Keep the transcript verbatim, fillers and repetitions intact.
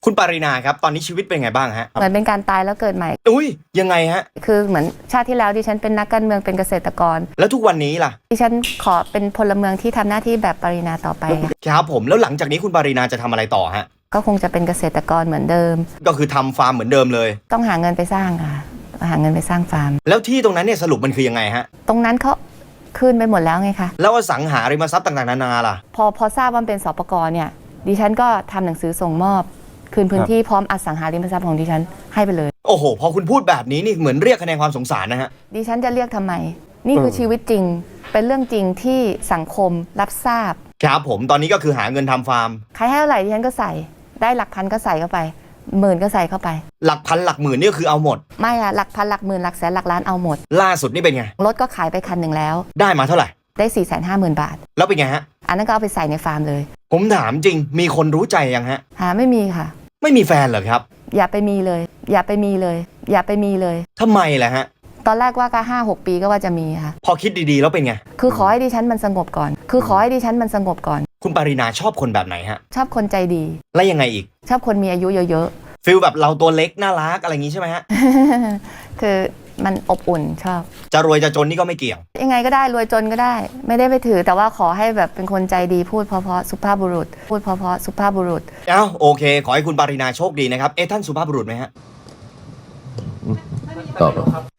คุณปารีนาครับตอนนี้ชีวิตเป็นไงบ้างฮะเหมือนเป็นการตายแล้วเกิดใหม่อุ้ยยังไงฮะคือเหมือนชาติที่แล้วดิฉันเป็นนักการเมืองเป็นเกษตรกรแล้วทุกวันนี้ล่ะดิฉันขอเป็นพลเมืองที่ทำหน้าที่แบบปารีนาต่อไปครับผมแล้วหลังจากนี้คุณปารีนาจะทำอะไรต่อฮะก็คงจะเป็นเกษตรกรเหมือนเดิมก็คือทำฟาร์มเหมือนเดิมเลยต้องหาเงินไปสร้างค่ะหาเงินไปสร้างฟาร์มแล้วที่ตรงนั้นเนี่ยสรุปมันคือยังไงฮะตรงนั้นเขาคืนไปหมดแล้วไงคะแล้วอสังหาริมทรัพย์ต่างๆนานาล่ะพอพอทราบว่าเป็นสปกรเนี่ยดิฉันก็ทำหนังสือส่งมอบคืนพื้นที่พร้อมอสังหาริมทรัพย์ของดิฉันให้ไปเลยโอ้โหพอคุณพูดแบบนี้นี่เหมือนเรียกคะแนนความสงสารนะฮะดิฉันจะเรียกทำไมนี่คือชีวิตจริงเป็นเรื่องจริงที่สังคมรับทราบครับผมตอนนี้ก็คือหาเงินทำฟาร์มใครให้เท่าไหร่ดิฉันก็ใส่ได้หลักพันก็ใส่เข้าไปหมื่นก็ใส่เข้าไปหลักพันหลักหมื่นนี่ก็คือเอาหมดไม่อะหลักพันหลักหมื่นหลักแสนหลักล้านเอาหมดล่าสุดนี่เป็นไงรถก็ขายไปคันหนึ่งแล้วได้มาเท่าไหร่ได้สี่แสนห้าหมื่นบาทแล้วเป็นไงฮะอันนั้นก็เอาไปใส่ในฟาร์มเลยผมถามจริงมีคนรู้ใจยังฮะหาไม่มีค่ะไม่มีแฟนเหรอครับอย่าไปมีเลยอย่าไปมีเลยอย่าไปมีเลยทำไมล่ะฮะตอนแรกว่าก็ห้าหกปีก็ว่าจะมีค่ะพอคิดดีๆแล้วเป็นไงคือขอให้ดิฉันมันสงบก่อนคือขอให้ดิฉันมันสงบก่อนคุณปารีนาชอบคนแบบไหนฮะชอบคนใจดีแล้วยังไงอีกชอบคนมีอายุเยอะๆฟีลแบบเราตัวเล็กน่ารักอะไรอย่างงี้ใช่ไหมฮะคือมันอบอุ่นชอบจะรวยจะจนนี่ก็ไม่เกี่ยวยังไงก็ได้รวยจนก็ได้ไม่ได้ไปถือแต่ว่าขอให้แบบเป็นคนใจดีพูดเพราะๆสุภาพบุรุษพูดเพราะๆสุภาพบุรุษเอ้าโอเคขอให้คุณปารีนาโชคดีนะครับเอ๊ะท่านสุภาพบุรุษไหมฮะตอบ